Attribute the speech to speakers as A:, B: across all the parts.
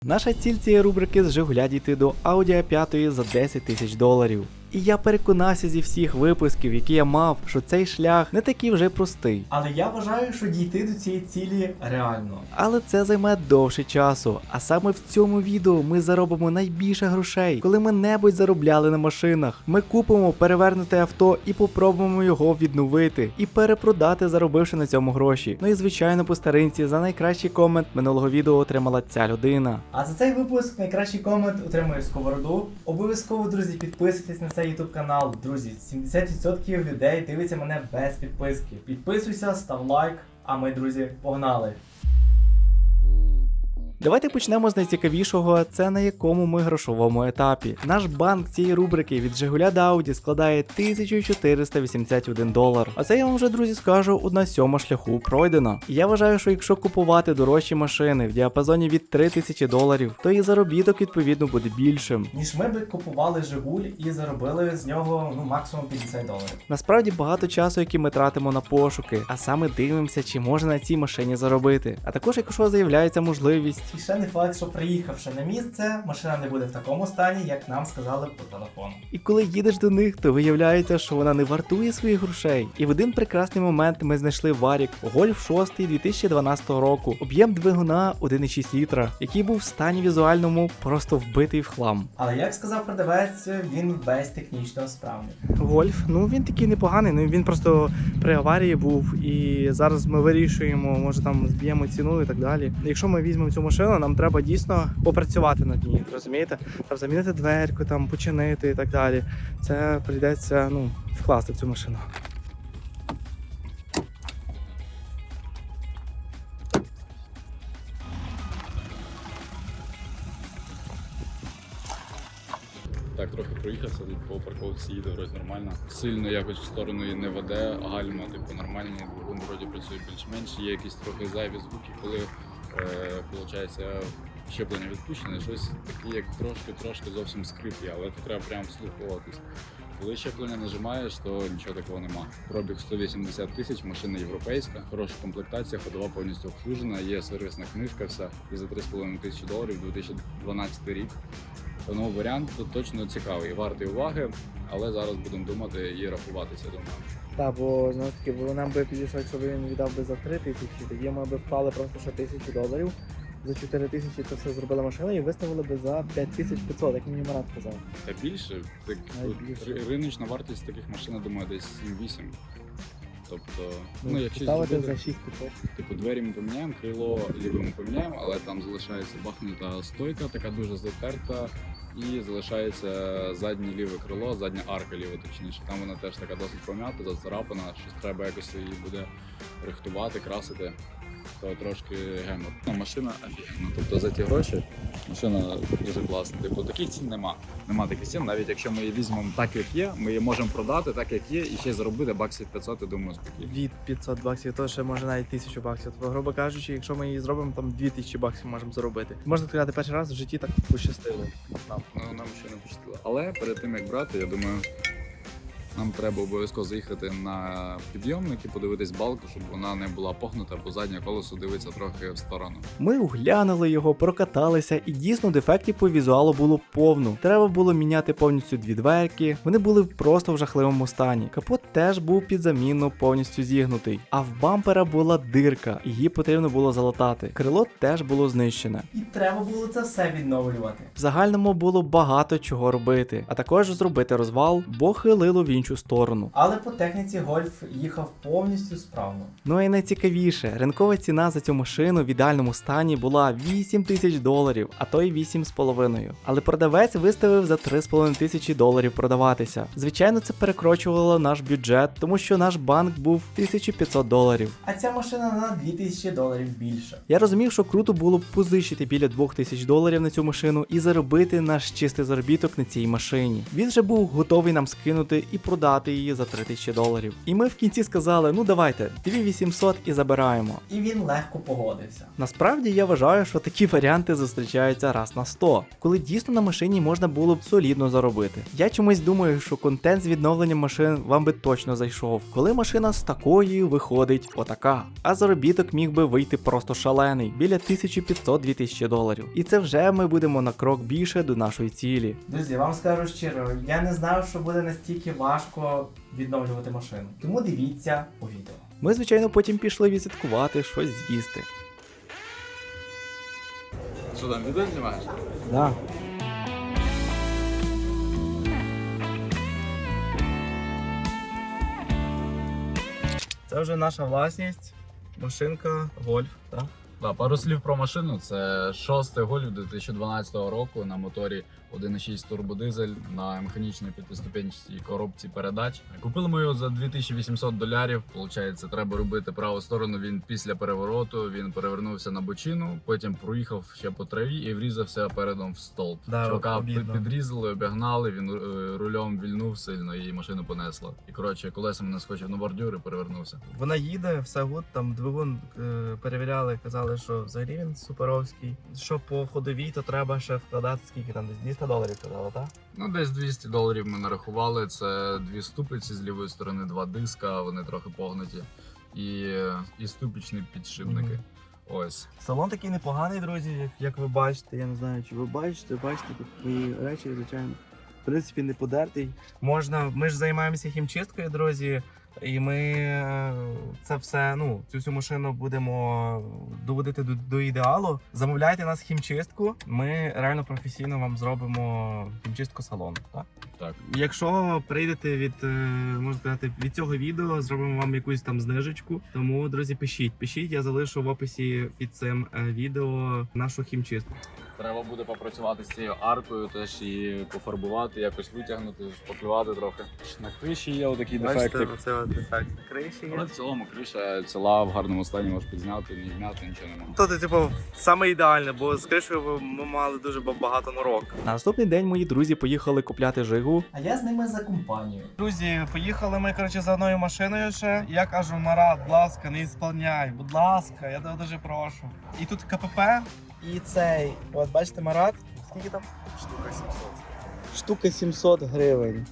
A: Наша ціль цієї рубрики з Жигуля дійти до Audi A5 за 10 тисяч доларів. І я переконався зі всіх випусків, які я мав, що цей шлях не такий вже простий.
B: Але я вважаю, що дійти до цієї цілі реально.
A: Але це займе довше часу. А саме в цьому відео ми заробимо найбільше грошей, коли ми небудь заробляли на машинах. Ми купимо перевернуте авто і попробуємо його відновити і перепродати, заробивши на цьому гроші. Ну і звичайно по старинці за найкращий комент минулого відео отримала ця людина.
B: А за цей випуск найкращий комент отримує сковороду. Обов'язково, друзі, підписуйтесь на цей YouTube канал. Друзі, 70% людей дивиться мене без підписки. Підписуйся, став лайк, а ми, друзі, погнали!
A: Давайте почнемо з найцікавішого, це на якому ми грошовому етапі. Наш банк цієї рубрики від Жигуля до Audi складає 1481 долар. А це я вам вже, друзі, скажу, 1/7 шляху пройдено. І я вважаю, що якщо купувати дорожчі машини в діапазоні від 3000 доларів, то і заробіток відповідно буде більшим.
B: Ніж ми би купували Жигуль і заробили з нього максимум 50 доларів.
A: Насправді багато часу, який ми тратимо на пошуки, а саме дивимося, чи можна на цій машині заробити. А також, якщо з'являється можливість.
B: І ще не факт, що приїхавши на місце, машина не буде в такому стані, як нам сказали по телефону.
A: І коли їдеш до них, то виявляється, що вона не вартує своїх грошей. І в один прекрасний момент ми знайшли Варік Golf 6 2012 року, об'єм двигуна 1,6 літра, який був в стані візуальному просто вбитий в хлам.
B: Але як сказав продавець, він весь технічно справний.
A: Гольф, він такий непоганий, він просто при аварії був, і зараз ми вирішуємо, може там зб'ємо ціну і так далі. Якщо ми візьмемо цю машину, нам треба дійсно попрацювати над ній, розумієте? Там замінити дверку, там починити і так далі. Це прийдеться, вкласти в цю машину.
C: Так, трохи проїхався, тут по парковці їде вроді нормально. Сильно якось в сторону її не веде, гальма нормальні, двигун вроді працює більш-менш. Є якісь трохи зайві звуки, коли виходить щеплення відпущене, щось таке, як трошки зовсім скриплі, але це треба прямо вслуховуватись. Коли щеплення нажимаєш, то нічого такого нема. Пробіг 180 тисяч, машина європейська, хороша комплектація, ходова повністю обслужена, є сервісна книжка, вся, і за 3,5 тисячі доларів, 2012 рік. Тому варіант тут точно цікавий, вартий уваги, але зараз будемо думати і рахуватися, думаю.
A: Так, бо знову ж таки, бо нам би підійшло, якщо б він віддав би за 3 тисячі, тоді ми б вклали просто ще 1000 доларів. За 4 тисячі це все зробила машина і виставили би за 5500, як мені Марат казав.
C: Та більше, риночна вартість таких машин, я думаю, десь 7-8. Тобто, якщо
A: ставити
C: зробити,
A: за 6500.
C: типу двері ми поміняємо, крило ліве ми поміняємо, але там залишається бахнута стойка, така дуже затерта, і залишається заднє ліве крило, задня арка ліва, точніше. Там вона теж така досить пом'ята, зацарапана, щось треба якось її буде рихтувати, красити. То трошки гемор. Машина офігенна. Тобто за ті гроші машина дуже класна. Типу таких цін нема. Нема таких цін. Навіть якщо ми її візьмемо так, як є, ми її можемо продати так, як є, і ще й заробити баксів 500, я думаю, спокійно.
A: Від 500 баксів, то ще може навіть 1000 баксів. Тобто, грубо кажучи, якщо ми її зробимо, там 2000 баксів можемо заробити. Можна сказати, перший раз в житті так пощастило.
C: Нам ще не пощастило. Але перед тим як брати, я думаю, нам треба обов'язково заїхати на підйомник і подивитись балку, щоб вона не була погнута, бо заднє колесо дивиться трохи в сторону.
A: Ми оглянули його, прокаталися, і дійсно дефектів по візуалу було повно. Треба було міняти повністю дві дверки, вони були просто в жахливому стані. Капот теж був під заміну повністю зігнутий, а в бампера була дирка, і її потрібно було залатати. Крило теж було знищене.
B: І треба було це все відновлювати.
A: В загальному було багато чого робити, а також зробити розвал, бо хилило в іншу сторону.
B: Але по техніці Гольф їхав повністю справно.
A: Ну і найцікавіше, ринкова ціна за цю машину в ідеальному стані була 8 тисяч доларів, а то й 8,5. Але продавець виставив за 3,5 тисячі доларів продаватися. Звичайно, це перекручувало наш бюджет, тому що наш банк був 1500 доларів.
B: А ця машина на 2000 доларів більше.
A: Я розумів, що круто було б позичити біля 2000 доларів на цю машину і заробити наш чистий заробіток на цій машині. Він вже був готовий нам скинути і продати її за $3000. І ми в кінці сказали, ну давайте, 2800 і забираємо.
B: І він легко погодився.
A: Насправді я вважаю, що такі варіанти зустрічаються раз на 100, коли дійсно на машині можна було б солідно заробити. Я чомусь думаю, що контент з відновленням машин вам би точно зайшов, коли машина з такої виходить отака. А заробіток міг би вийти просто шалений, біля $1500-2000. І це вже ми будемо на крок більше до нашої цілі.
B: Друзі, я вам скажу щиро, я не знав, що буде настільки важко відновлювати машину. Тому дивіться у відео.
A: Ми, звичайно, потім пішли відсвяткувати, щось з'їсти.
C: Що там, відео знімаєш?
A: Да.
B: Це вже наша власність, машинка Golf, так?
C: Да, пару слів про машину. Це 6-й Golf 2012 року на моторі 1.6 турбодизель на механічній п'ятиступенчатій коробці передач. Купили ми його за $2800. Получається, треба робити праву сторону. Він після перевороту він перевернувся на бочину, потім проїхав ще по траві і врізався передом в стовп.
B: Да,
C: Чувака
B: обідно.
C: підрізали, обігнали. Він рулем вільнув сильно і машину понесло. І коротше, колесами наскочив на бордюр і перевернувся.
B: Вона їде, все гуд, там двигун перевіряли, казали, що взагалі він суперовський. Що по ходовій, то треба ще вкладати скільки там, десь $200 казали, так?
C: Ну, десь $200 ми нарахували. Це дві ступиці з лівої сторони, два диска, вони трохи погнуті. І ступічні підшипники. Ось.
B: Салон такий непоганий, друзі, як ви бачите. Я не знаю, чи ви бачите тут мої речі, звичайно. В принципі, не подертий. Ми ж займаємося хімчисткою, друзі. І ми це все, цю всю машину будемо доводити до ідеалу. Замовляйте нас хімчистку, ми реально професійно вам зробимо хімчистку салону. Так?
C: Так.
B: Якщо прийдете можна сказати, від цього відео, зробимо вам якусь там знижечку. Тому, друзі, пишіть, я залишу в описі під цим відео нашу хімчистку.
C: Треба буде попрацювати з цією аркою, теж її пофарбувати, якось витягнути, шпаклювати трохи. На криші є отакий дефектик.
B: Це от дефект на криші
C: Але в цілому криша ціла, в гарному стані, можеш підзняти, не гняти, нічого немає.
B: То, типу, саме ідеальне, бо з кришею ми мали дуже багато норок.
A: На наступний день мої друзі поїхали купляти Жигу.
B: А я з ними за компанію. Друзі, поїхали ми, за одною машиною ще. Я кажу, Марат, будь ласка, не ісполняй, будь ласка, я тебе дуже прошу. І тут КПП, і цей, от бачите, Марат, скільки там?
C: Штука 700.
B: Штука 700 гривень.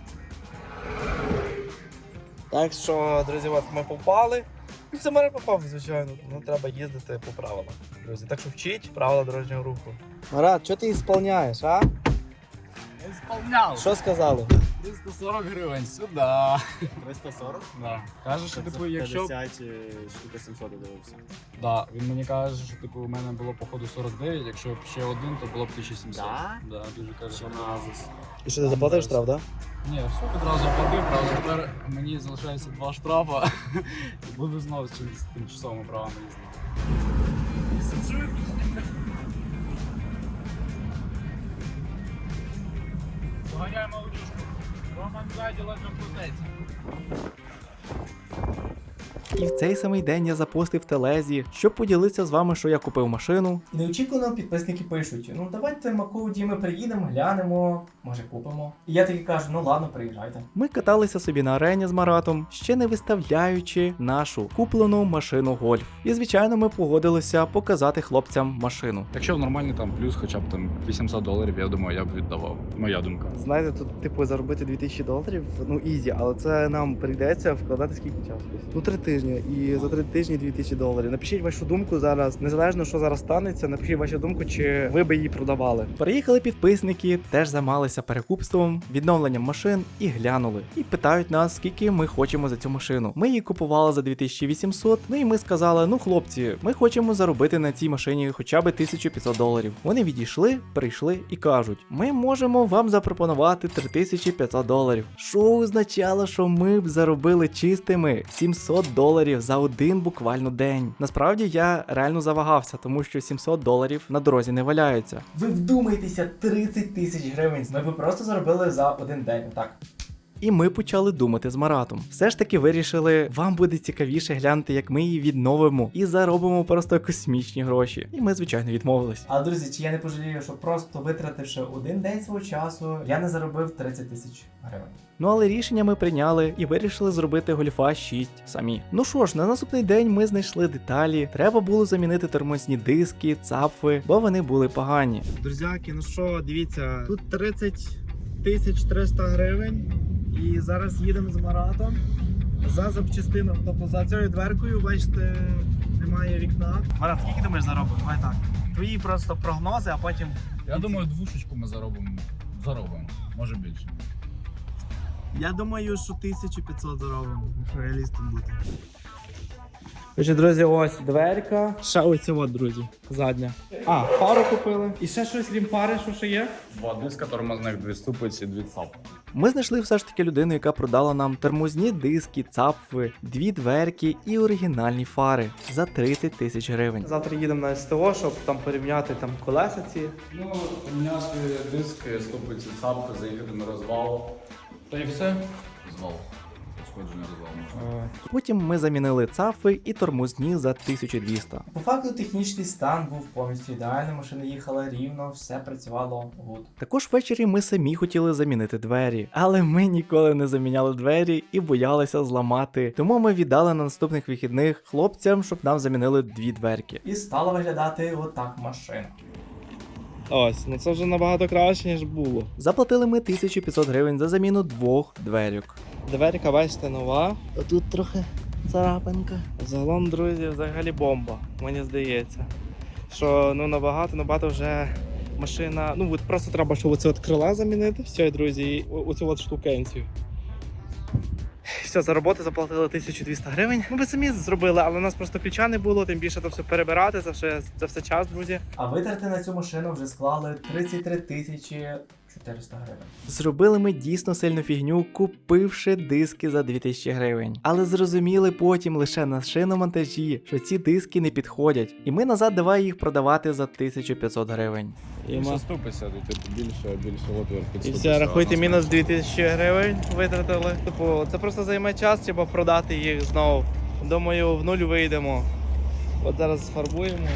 B: Так що, друзі, от ми попали. І все, Марат попав, звичайно. Треба їздити по правилам, друзі. Так що вчіть правила дорожнього руху. Марат, що ти ісполняєш, а?
C: Я сповняв!
B: Що сказали?
C: 340 гривень, сюди!
D: 340?
C: Да. Каже, що типу, якщо...
D: 50 штука 700 додивився.
C: Да, він мені каже, що типу, у мене було походу 49, якщо б ще один, то було б 1700.
D: Да?
C: Да, дуже каже.
D: Що на Азус.
B: І що ти заплатив штраф, так?
C: Ні, все відразу оплатив, правда, тепер мені залишається 2 штрафа. І буду знову з тимчасовими правами їздити. Поганяємо аудюшку. Роман ззаді ледве плететься.
A: І в цей самий день я запостив в телезі, щоб поділитися з вами, що я купив машину.
B: І неочікувано підписники пишуть: ну давайте Маку Діми приїдемо, глянемо, може купимо. І я таки кажу, ну ладно, приїжджайте.
A: Ми каталися собі на арені з Маратом, ще не виставляючи нашу куплену машину Golf. І звичайно, ми погодилися показати хлопцям машину.
C: Якщо нормальний там плюс хоча б там $800, я думаю, я б віддавав. Моя думка.
B: Знаєте, тут типу заробити $2000, ну ізі, але це нам прийдеться вкладати скільки часу? Ну 3 тижні. І за 3 тижні $2000. Напишіть вашу думку зараз, незалежно що зараз станеться, напишіть вашу думку, чи ви би її продавали.
A: Приїхали підписники, теж займалися перекупством, відновленням машин і глянули. І питають нас, скільки ми хочемо за цю машину. Ми її купували за 2800, ну і ми сказали, ну хлопці, ми хочемо заробити на цій машині хоча б $1500. Вони відійшли, прийшли і кажуть, ми можемо вам запропонувати $3500. Що означало, що ми б заробили чистими $700 за один буквально день. Насправді я реально завагався, тому що $700 на дорозі не валяються.
B: Ви вдумайтеся, 30 000 гривень. Ми б просто заробили за один день, так.
A: І ми почали думати з Маратом. Все ж таки вирішили, вам буде цікавіше глянути, як ми її відновимо і заробимо просто космічні гроші. І ми, звичайно, відмовились.
B: Але, друзі, чи я не пожалію, що просто витративши один день свого часу, я не заробив 30 тисяч гривень.
A: Ну але рішення ми прийняли і вирішили зробити Гольфа 6 самі. Ну що ж, на наступний день ми знайшли деталі. Треба було замінити тормозні диски, цапфи, бо вони були погані.
B: Друзяки, ну що, дивіться, тут 30 300 гривень. І зараз їдемо з Маратом за запчастину. Тобто за цією дверкою, бачите, немає вікна. Марат, скільки думаєш заробимо? Давай так. Твої просто прогнози, а потім.
C: Я думаю, двушечку ми заробимо. Може більше.
B: Я думаю, що 1500 заробимо, якщо реалістом бути. Отже, друзі, ось дверка. Ще оця от, друзі, задня. А, фару купили. І ще щось крім фари, що ще є?
C: Два диска тормозних, дві ступиці, дві цапи.
A: Ми знайшли все ж таки людину, яка продала нам тормозні диски, цапфи, дві дверки і оригінальні фари за 30 тисяч гривень.
B: Завтра їдемо на СТО, щоб там порівняти там колеса ці.
C: Ну, поміняти диски, ступиці, цапки, заїхати на розвал. Та і все. Розвал. Сходження розвал можна.
A: Потім ми замінили цапфи і тормозні за 1200.
B: По факту технічний стан був повністю ідеальний, машина їхала рівно, все працювало гуд.
A: Також ввечері ми самі хотіли замінити двері, але ми ніколи не заміняли двері і боялися зламати. Тому ми віддали на наступних вихідних хлопцям, щоб нам замінили дві дверки.
B: І стала виглядати отак машина.
E: Ось, ну це вже набагато краще, ніж було.
A: Заплатили ми 1500 гривень за заміну двох дверок.
E: Дверка, бачите, нова.
A: Тут трохи царапинка.
E: Загалом, друзі, взагалі бомба, мені здається. Що ну набагато вже машина. Ну от просто треба, щоб оце от крила замінити. Все, друзі, і оцю от штукенцію. Все, за роботу заплатили 1200 гривень. Ми би самі зробили, але у нас просто ключа не було, тим більше то все перебирати, це все час, друзі.
B: А витрати на цю машину вже склали 33 тисячі 400 гривень.
A: Зробили ми дійсно сильну фігню, купивши диски за 2000 гривень. Але зрозуміли потім лише на шиномонтажі, що ці диски не підходять. І ми назад давай їх продавати за 1500 гривень.
C: Більше ступися, типу більше отвір під
E: І
C: ступицю.
E: все, рахуйте, мінус 2000 гривень витратили. Типу, це просто займе час, треба продати їх знову. Думаю, в нуль вийдемо. От зараз фарбуємо.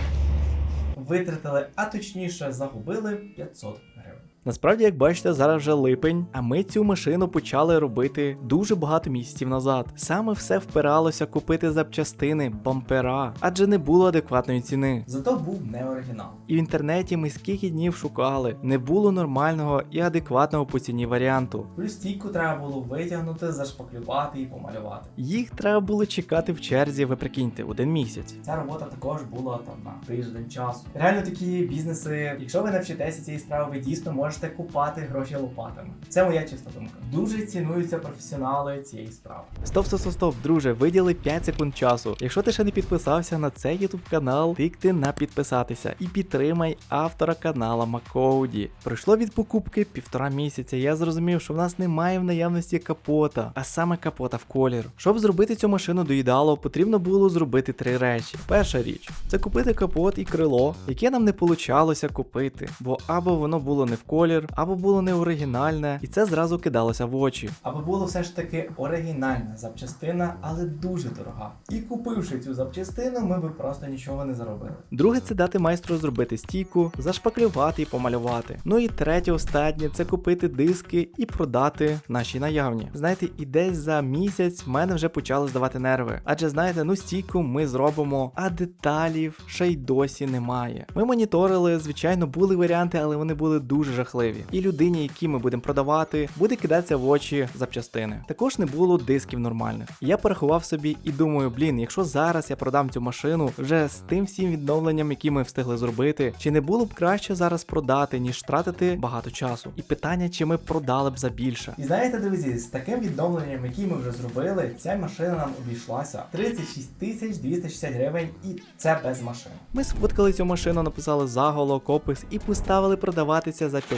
B: Витратили, а точніше загубили 500 гривень.
A: Насправді, як бачите, зараз вже липень, а ми цю машину почали робити дуже багато місяців назад. Саме все впиралося купити запчастини, бампера, адже не було адекватної ціни.
B: Зато був не оригінал.
A: І в інтернеті ми скільки днів шукали, не було нормального і адекватного по ціні варіанту.
B: Плюс стійку треба було витягнути, зашпаклювати і помалювати.
A: Їх треба було чекати в черзі, ви прикиньте, 1 місяць.
B: Ця робота також була там на тиждень часу. Реально такі бізнеси, якщо ви навчитеся цієї справи, ви дійсно можете купати гроші лопатами. Це моя чиста думка. Дуже цінуються професіонали цієї справи.
A: Стоп, друже, виділи 5 секунд часу. Якщо ти ще не підписався на цей YouTube канал, тикни на підписатися і підтримай автора канала Макоуді. Пройшло від покупки 1,5 місяця. Я зрозумів, що в нас немає в наявності капота, а саме капота в колір. Щоб зробити цю машину до ідеалу, потрібно було зробити 3 речі. Перша річ це купити капот і крило, яке нам не получалося купити, бо або воно було не в колір, або було не оригінальне, і це зразу кидалося в очі.
B: Аби було все ж таки оригінальна запчастина, але дуже дорога. І купивши цю запчастину, ми би просто нічого не заробили.
A: Друге, це дати майстру зробити стійку, зашпаклювати і помалювати. Ну і третє, останнє, це купити диски і продати наші наявні. Знаєте, і десь за місяць в мене вже почали здавати нерви. Адже знаєте, ну стійку ми зробимо, а деталів ще й досі немає. Ми моніторили, звичайно, були варіанти, але вони були дуже жахливі. І людині, які ми будемо продавати, буде кидатися в очі запчастини. Також не було дисків нормальних. Я порахував собі і думаю, якщо зараз я продам цю машину вже з тим всім відновленням, які ми встигли зробити, чи не було б краще зараз продати, ніж тратити багато часу? І питання, чи ми продали б за більше.
B: І знаєте, друзі, з таким відновленням, яке ми вже зробили, ця машина нам обійшлася 36 260 гривень, і це без машини.
A: Ми сфоткали цю машину, написали заголовок, опис і поставили продаватися за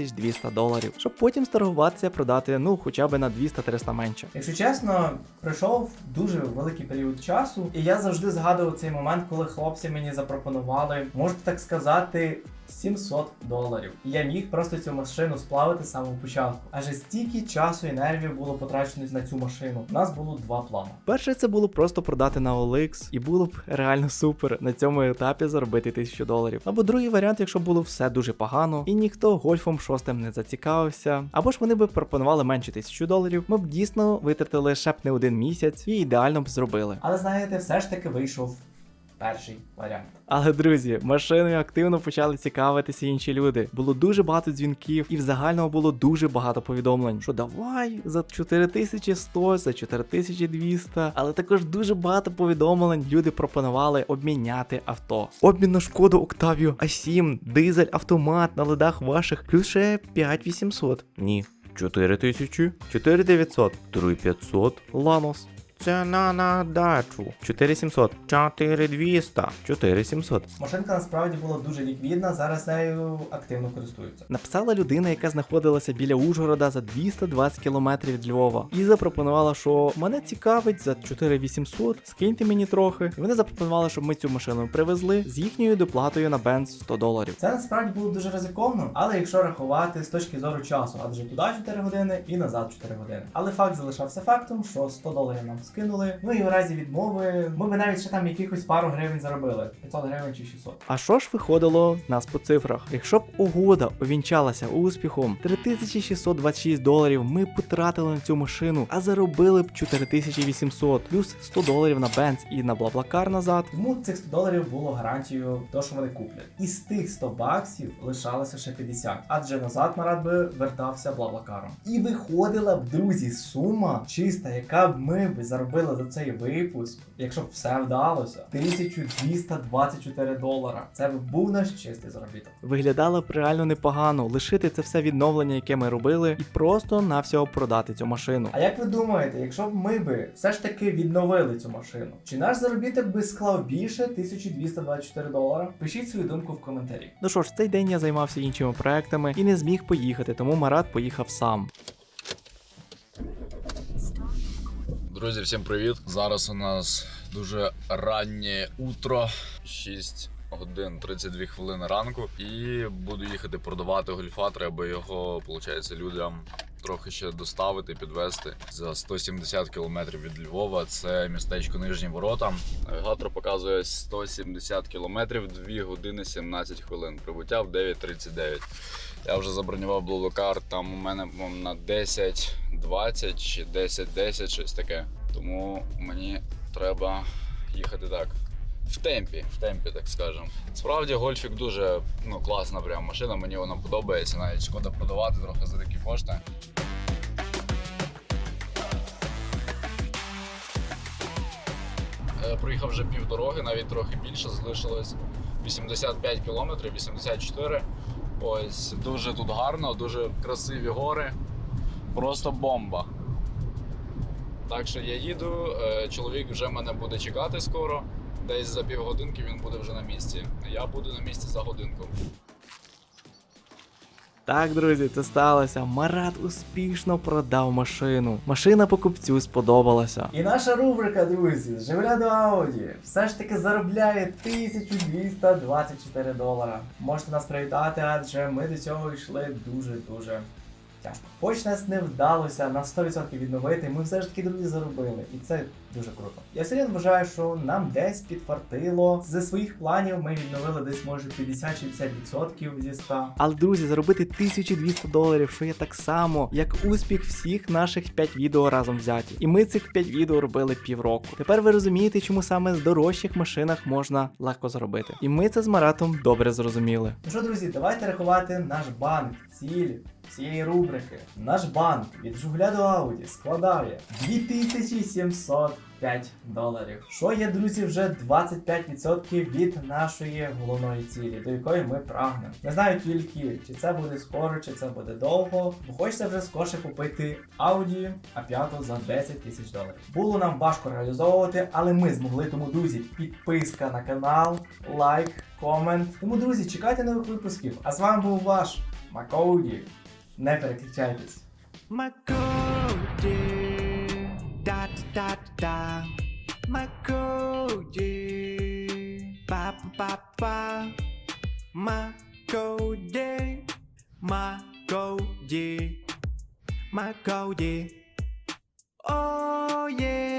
A: $5200, щоб потім старгуватися продати, хоча б на 200-300 менше.
B: Якщо чесно, пройшов дуже великий період часу, і я завжди згадував цей момент, коли хлопці мені запропонували, можна так сказати, $700. І я міг просто цю машину сплавити з самого початку. Адже стільки часу і нервів було потрачено на цю машину. У нас було два плани.
A: Перше, це було просто продати на OLX, і було б реально супер на цьому етапі заробити $1000. Або другий варіант, якщо було все дуже погано, і ніхто гольфом 6 не зацікавився, або ж вони б пропонували менше $1000, ми б дійсно витратили ще б не один місяць і ідеально б зробили.
B: Але знаєте, все ж таки вийшов перший варіант.
A: Але, друзі, машиною активно почали цікавитися інші люди. Було дуже багато дзвінків, і в загальному було дуже багато повідомлень, що давай за 4100, за 4200. Але також дуже багато повідомлень люди пропонували обміняти авто. Обмін на Шкоду Octavia A7, дизель, автомат на ледах ваших, плюс ще 5800. Ні. 4000, 4900, 3500, Lanos. Ціна на дачу 4700, 4200, 4700.
B: Машинка насправді була дуже ліквідна, зараз нею активно користуються.
A: Написала людина, яка знаходилася біля Ужгорода за 220 км від Львова, і запропонувала, що мене цікавить за 4800, скиньте мені трохи. І вони запропонували, щоб ми цю машину привезли з їхньою доплатою на бенз $100.
B: Це насправді було дуже ризиковно, але якщо рахувати з точки зору часу, адже туди 4 години і назад 4 години. Але факт залишався фактом, що $100 нам скинули. Ну і в разі відмови ми б навіть ще там якихось пару гривень заробили. 500 гривень чи 600.
A: А що ж виходило в нас по цифрах? Якщо б угода увінчалася успіхом, $3626 ми потратили на цю машину, а заробили б 4800, плюс $100 на бенз і на Блаблакар назад.
B: Тому цих $100 було гарантією того, що вони куплять. Із тих $100 лишалося ще 50, адже назад Марат би вертався Блаблакаром. І виходила б, друзі, сума чиста, яка б ми б заробили за цей випуск, якщо б все вдалося, $1224. Це б був наш чистий заробіток.
A: Виглядало б реально непогано лишити це все відновлення, яке ми робили, і просто навсього продати цю машину.
B: А як ви думаєте, якщо б ми би все ж таки відновили цю машину, чи наш заробіток би склав більше $1224? Пишіть свою думку в коментарі.
A: Ну що ж, цей день я займався іншими проектами і не зміг поїхати, тому Марат поїхав сам.
C: Друзі, всім привіт! Зараз у нас дуже раннє утро, 6 годин 32 хвилини ранку, і буду їхати продавати гольфа. Треба його, виходить, людям трохи ще доставити, підвезти за 170 кілометрів від Львова. Це містечко Нижні Ворота. Навігатор показує 170 кілометрів, 2 години 17 хвилин. Прибуття в 9:39. Я вже забронював Блаблакар, там у мене на 10:20 чи 10:10, щось таке. Тому мені треба їхати так. В темпі, так скажемо. Справді гольфік дуже класна прям машина, мені вона подобається, навіть шкода продавати трохи за такі кошти. Проїхав вже півдороги, навіть трохи більше, залишилось 85 кілометрів, 84. Ось, дуже тут гарно, дуже красиві гори, просто бомба. Так що я їду, чоловік вже мене буде чекати скоро, десь за півгодинки він буде вже на місці. Я буду на місці за годинку.
A: Так, друзі, це сталося. Марат успішно продав машину. Машина покупцю сподобалася.
B: І наша рубрика, друзі, з Жигуля до Ауді, все ж таки заробляє $1224. Можете нас привітати, адже ми до цього йшли дуже-дуже тяжко. Хоч нас не вдалося на 100% відновити, ми все ж таки, друзі, заробили. І це дуже круто. Я все вважаю, що нам десь підфартило. Зі своїх планів ми відновили десь, може, 50-60% зі 100.
A: Але, друзі, заробити $1200, що є так само, як успіх всіх наших 5 відео разом взяті. І ми цих 5 відео робили півроку. Тепер ви розумієте, чому саме з дорожчих машинах можна легко заробити. І ми це з Маратом добре зрозуміли.
B: Ну що, друзі, давайте рахувати наш банк, ціль цієї рубрики. Наш банк від Жигуля до Ауді складає $2705. Що є, друзі, вже 25% від нашої головної цілі, до якої ми прагнемо. Не знаю тільки, чи це буде скоро, чи це буде довго, бо хочеться вже скорше купити Audi A5 за $10 000. Було нам важко реалізовувати, але ми змогли, тому, друзі, підписка на канал, лайк, комент. Тому, друзі, чекайте нових випусків. А з вами був ваш Макоуді. Не переключайтесь.
A: Макоуді, да-да-да-да, Макоуді, па-па-па, Макоуді. Cody, my Cody, my Cody. Oh yeah.